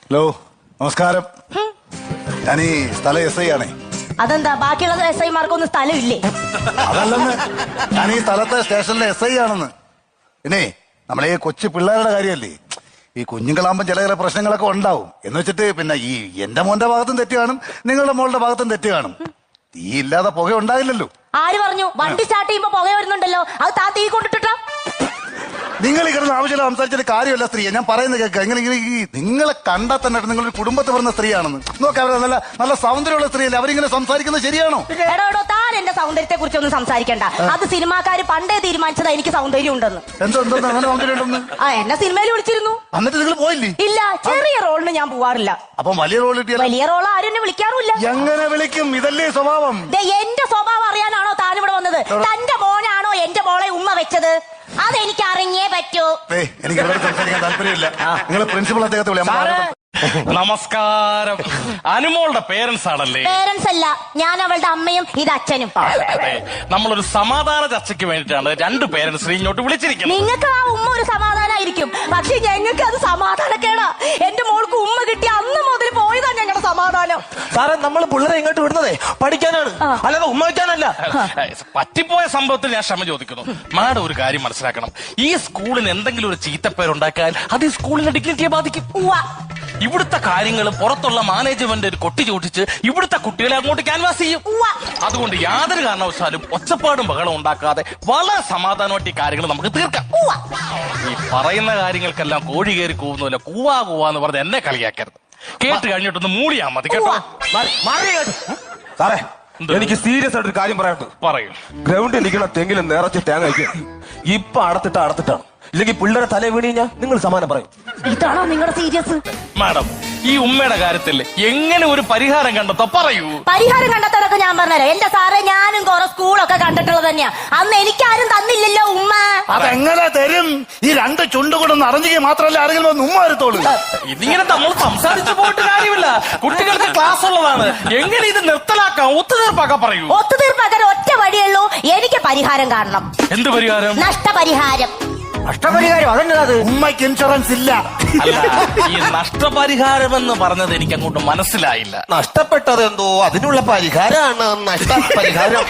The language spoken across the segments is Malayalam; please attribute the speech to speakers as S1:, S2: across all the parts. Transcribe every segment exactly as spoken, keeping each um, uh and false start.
S1: ഹലോ, നമസ്കാരം. ഞാൻ ഈ സ്ഥല എസ് ഐ ആണേ.
S2: അതെന്താ ബാക്കിയുള്ള എസ് ഐമാർക്കൊന്നും സ്ഥലമില്ലേ?
S1: അതല്ലെന്ന്, ഞാൻ ഈ സ്ഥലത്തെ സ്റ്റേഷനിലെ എസ് ഐ ആണെന്ന്. പിന്നെ നമ്മളെ ഈ കൊച്ചു പിള്ളേരുടെ കാര്യമല്ലേ, ഈ കുഞ്ഞുങ്ങളാകുമ്പോൾ ചില ചില പ്രശ്നങ്ങളൊക്കെ ഉണ്ടാവും. എന്ന് വെച്ചിട്ട് പിന്നെ ഈ എന്റെ മോന്റെ ഭാഗത്തും തെറ്റ് കാണും, നിങ്ങളുടെ മോളുടെ ഭാഗത്തും തെറ്റ് കാണും. തീ ഇല്ലാതെ പുക ഉണ്ടാകില്ലല്ലോ. ആര് പറഞ്ഞു? വണ്ടി സ്റ്റാർട്ട് ചെയ്യുമ്പോ പുക വരുന്നുണ്ടല്ലോ, അത് താ തീ കൊണ്ടിട്ടാ. നിങ്ങൾ ഈ കിടന്ന് ആവശ്യമില്ല സംസാരിച്ചിട്ട് കാര്യമല്ല സ്ത്രീയെ. ഞാൻ പറയുന്നത് കേൾക്കുക. ഇങ്ങനെ ഈ നിങ്ങളെ കണ്ടാൽ തന്നെ നിങ്ങളൊരു കുടുംബത്തിൽ പറഞ്ഞ സ്ത്രീയാണെന്ന് നോക്കാം. അവരെ നല്ല നല്ല സൗന്ദര്യമുള്ള സ്ത്രീയല്ലേ, അവരിങ്ങനെ സംസാരിക്കുന്നത് ശരിയാണോ? എടോ എടോ, താൻ എന്റെ സൗന്ദര്യത്തെ കുറിച്ചൊന്നും സംസാരിക്കണ്ട. അത് സിനിമാക്കാര് പണ്ടേ തീരുമാനിച്ചതാ എനിക്ക് സൗന്ദര്യം ഉണ്ടെന്ന്. എന്തോ എന്തോ അങ്ങനെ സൗന്ദര്യം ഉണ്ടെന്ന്? ആ, എന്നെ സിനിമയിൽ വിളിച്ചിരുന്നു. എന്നിട്ട് നിങ്ങൾ പോയില്ലേ? ഇല്ല, ചെറിയ റോളിന് ഞാൻ പോവാറില്ല. അപ്പം വലിയ റോൾ കിട്ടിയ വലിയ റോൾ ആരും എന്നെ വിളിക്കാറില്ല. എങ്ങനെ വിളിക്കും? ഇതല്ലേ സ്വഭാവം. എന്റെ സ്വഭാവം അറിയാനാണോ താൻ ഇവിടെ വന്നത്? തന്റെ മോനാണോ എന്റെ മോളെ ഉമ്മ വെച്ചത്? അതെനിക്ക് അറിഞ്ഞേ പറ്റൂ. എനിക്ക് ഇവിടെ സംസാരിക്കാൻ താല്പര്യമില്ല. നിങ്ങൾ പ്രിൻസിപ്പൾ അദ്ദേഹത്തെ വിളിയാം.
S3: നമസ്കാരം. അനുമോളുടെ പേരൻസ് ആണല്ലേ?
S2: പേരൻസ് അല്ല, ഞാൻ അവളുടെ അമ്മയും ഇത് അച്ഛനും.
S3: നമ്മളൊരു സമാധാന ചർച്ചയ്ക്ക് വേണ്ടിയിട്ടാണ് രണ്ട് പേരൻസിനെ ഇങ്ങോട്ട് വിളിച്ചിരിക്കുന്നത്.
S2: നിങ്ങൾക്ക് ആ ഉമ്മ ഒരു സമാധാനമായിരിക്കും, പക്ഷെ ഞങ്ങൾക്ക് അത് സമാധാനക്കേടാ. എന്റെ മോൾക്ക് ഉമ്മ കിട്ടിയ അന്ന് മുതൽ പോയതാ ഞങ്ങളുടെ സമാധാനം.
S4: സാറേ, നമ്മൾ പിള്ളേരെ ഇങ്ങോട്ട് വിടുന്നതേ പഠിക്കാനാണ്, അല്ലാതെ ഉമ്മ വയ്ക്കാനല്ല.
S3: പറ്റിപ്പോയ സംഭവത്തിൽ ഞാൻ ക്ഷമ ചോദിക്കുന്നു. മാഡം ഒരു കാര്യം മനസ്സിലാക്കണം, ഈ സ്കൂളിന് എന്തെങ്കിലും ഒരു ചീത്തപ്പേരുണ്ടാക്കാൻ അത് ഈ സ്കൂളിന്റെ ഡിഗ്നിറ്റിയെ ബാധിക്കും. ഇവിടുത്തെ കാര്യങ്ങൾ പുറത്തുള്ള മാനേജ്മെന്റ് ഒരു കൊട്ടി ചോദിച്ച് ഇവിടുത്തെ കുട്ടികളെ അങ്ങോട്ട് ക്യാൻവാസ് ചെയ്യും. അതുകൊണ്ട് യാതൊരു കാരണവശാലും ഒച്ചപ്പാടും ബഹളം ഉണ്ടാക്കാതെ വളരെ സമാധാനമായിട്ട് ഈ കാര്യങ്ങൾ നമുക്ക് തീർക്കാം. ഈ പറയുന്ന കാര്യങ്ങൾക്കെല്ലാം കോഴി കയറി കൂവുന്നില്ല, കൂവാ കൂവാന്ന് പറഞ്ഞ് എന്നെ കളിയാക്കരുത്. കേട്ട് കഴിഞ്ഞിട്ടൊന്ന് മൂളിയാ മതി കേട്ടോ.
S4: സാറേ, എനിക്ക് സീരിയസ് ആയിട്ടൊരു കാര്യം പറയാനുണ്ട്.
S3: പറയൂ.
S4: ഗ്രൗണ്ടിൽ നിൽക്കുന്ന തെങ്ങിലും നിറച്ച് തേങ്ങ കഴിക്കും. ഇപ്പൊ അടത്തിട്ട് അടത്തിട്ടാണ്, ഇല്ലെങ്കിൽ പിള്ളേരെ തല വീണ് കഴിഞ്ഞാൽ നിങ്ങൾ സമാനം പറയും.
S2: ഇതാണോ നിങ്ങളുടെ സീരിയസ്?
S3: മാഡം, ഈ ഉമ്മയുടെ കാര്യത്തിൽ എങ്ങനെ ഒരു പരിഹാരം കണ്ടെത്തോ പറയൂ.
S2: പരിഹാരം കണ്ടെത്താനൊക്കെ ഞാൻ പറഞ്ഞുതരാം. എന്റെ സാറേ, ഞാനും കുറെ സ്കൂളൊക്കെ കണ്ടിട്ടുള്ളത് തന്നെയാ. അന്ന് എനിക്കാരും തന്നില്ലല്ലോ ഉമ്മ.
S1: അതെങ്ങനെ തരും? ഈ രണ്ട് ചുണ്ടുകൊണ്ടൊന്ന് അറിഞ്ഞെങ്കിൽ മാത്രമല്ല ആരെങ്കിലും ഒന്ന് ഉമ്മ വരത്തോളൂ.
S3: ഇതിങ്ങനെ നമ്മൾ സംസാരിച്ചു പോയിട്ട് കാര്യമില്ല. കുട്ടികൾക്ക് ക്ലാസ് ഉള്ളതാണ്. എങ്ങനെ ഇത് നിർത്തലാക്കാം, ഒത്തുതീർപ്പാക്കാൻ പറയൂ.
S2: ഒത്തുതീർപ്പാക്കാൻ ഒറ്റ വഴിയുള്ളൂ, എനിക്ക് പരിഹാരം കാണണം.
S3: എന്ത് പരിഹാരം?
S2: നഷ്ടപരിഹാരം.
S4: നഷ്ടപരിഹാരം? അതെന്നത്
S1: ഉമ്മയ്ക്ക് ഇൻഷുറൻസ് ഇല്ല.
S3: അല്ല, ഈ നഷ്ടപരിഹാരം എന്ന് പറഞ്ഞത് എനിക്ക് അങ്ങോട്ട് മനസ്സിലായില്ല.
S4: നഷ്ടപ്പെട്ടത് എന്തോ അതിനുള്ള പരിഹാരമാണ് നഷ്ടപരിഹാരം.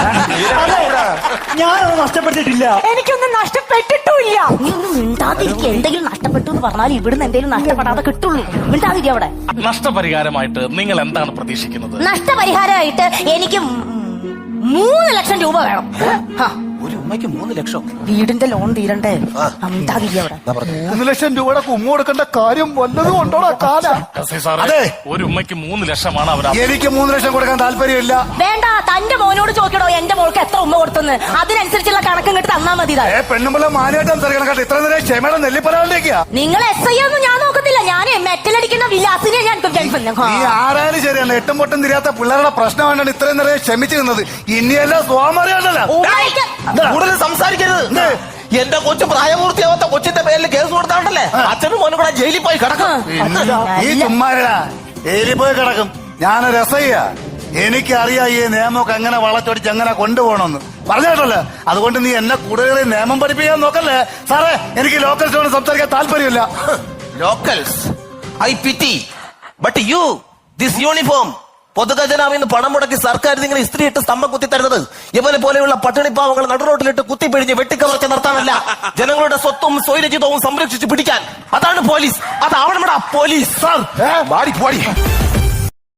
S1: ഞാനത് നഷ്ടപ്പെട്ടിട്ടില്ല.
S2: എനിക്കൊന്നും നഷ്ടപ്പെട്ടിട്ടില്ല. നീ ഒന്നും മിണ്ടാതിരിക്കുക. എന്തെങ്കിലും നഷ്ടപ്പെട്ടു എന്ന് പറഞ്ഞാൽ ഇവിടുന്ന് എന്തെങ്കിലും നഷ്ടപ്പെടാതെ കിട്ടുള്ളൂ. മിണ്ടാതിരിക്കുക അവിടെ.
S3: നഷ്ടപരിഹാരമായിട്ട് നിങ്ങൾ എന്താണ് പ്രതീക്ഷിക്കുന്നത്?
S2: നഷ്ടപരിഹാരമായിട്ട് എനിക്ക് മൂന്ന് ലക്ഷം രൂപ വേണം.
S4: ഒരു ഉമ്മയ്ക്ക് മൂന്ന് ലക്ഷം?
S2: വീടിന്റെ ലോൺ തീരണ്ടേ? അവിടെ
S1: മൂന്ന് ലക്ഷം രൂപയുടെ ഉമ്മ കൊടുക്കേണ്ട കാര്യം വല്ലതും ഉണ്ടോടാ കാല?
S3: അതെ, ഒരു ഉമ്മയ്ക്ക് മൂന്ന് ലക്ഷമാണ് അവർ.
S1: എനിക്ക് മൂന്ന് ലക്ഷം കൊടുക്കാൻ താല്പര്യമില്ല.
S2: വേണ്ട, തന്റെ മോനോട് ചോദിക്കടോ എന്റെ മോൾക്ക് എത്ര ഉമ്മ കൊടുത്തെന്ന്. അതിനനുസരിച്ചുള്ള കണക്കും കിട്ടി തന്നാ മതി.
S1: പെണ്ണുമ്പളെ മാനായിട്ട് സംസാരിക്കണം കേട്ടോ. ഇത്ര നേരം ക്ഷമയുടെ നെല്ലിപ്പലാണ്ടിരിക്കുക.
S2: നിങ്ങൾ എസ് ഐ ഒന്നും ഞാൻ നോക്കത്തില്ല. ഞാൻ മെറ്റലടിക്കുന്ന വിലാസിനെ ഞാൻ
S1: ഈ ആരായാലും ശരിയല്ല, എട്ടും പൊട്ടും തിരിയാത്ത പിള്ളേരുടെ പ്രശ്നം വേണ്ടാണ് ഇത്രയും നേരം ക്ഷമിച്ചു നിന്നത്. ഇനിയല്ല സ്വാമറിയാണല്ലോ.
S4: കൂടുതൽ സംസാരിക്കരുത്. എന്റെ കൊച്ചു പ്രായപൂർത്തിയാവാത്ത കൊച്ചിന്റെ പേരിൽ കേസ് കൊടുത്താണ്ടല്ലേ അച്ഛനും മോനും കൂടെ ജയിലിൽ പോയി കിടക്കും.
S1: ഈ ചുമ്മാരടാ, ജയിലിൽ പോയി കിടക്കും. ഞാനൊരു രസയ്യ, എനിക്കറിയാം ഈ നിയമമൊക്കെ എങ്ങനെ വളച്ചൊടിച്ച് എങ്ങനെ കൊണ്ടുപോകണമെന്ന് പറഞ്ഞിട്ടല്ലേ. അതുകൊണ്ട് നീ എന്നെ കൂടുതൽ നിയമം പഠിപ്പിക്കാൻ നോക്കല്ലേ. സാറേ, എനിക്ക് ലോക്കൽസിനോട് സംസാരിക്കാൻ താല്പര്യമില്ല.
S4: Locals I pity, but you this uniform പൊതുഖജനാവിൽ നിന്ന് പണം മുടക്കി സർക്കാർ നിങ്ങൾ ഇസ്ത്രീ ഇട്ട് സ്തംഭം കുത്തി തരുന്നത് ഇവനെ പോലെയുള്ള പട്ടിണിപ്പാവങ്ങൾ നടുറോട്ടിലിട്ട് കുത്തിപ്പിഴിഞ്ഞ് വെട്ടിക്കവർച്ച നിർത്താനല്ല, ജനങ്ങളുടെ സ്വത്തും സ്വൈരചിതവും സംരക്ഷിച്ച് പിടിക്കാൻ. അതാണ് പോലീസ്. അതാവണം പോലീസ്. സാർ,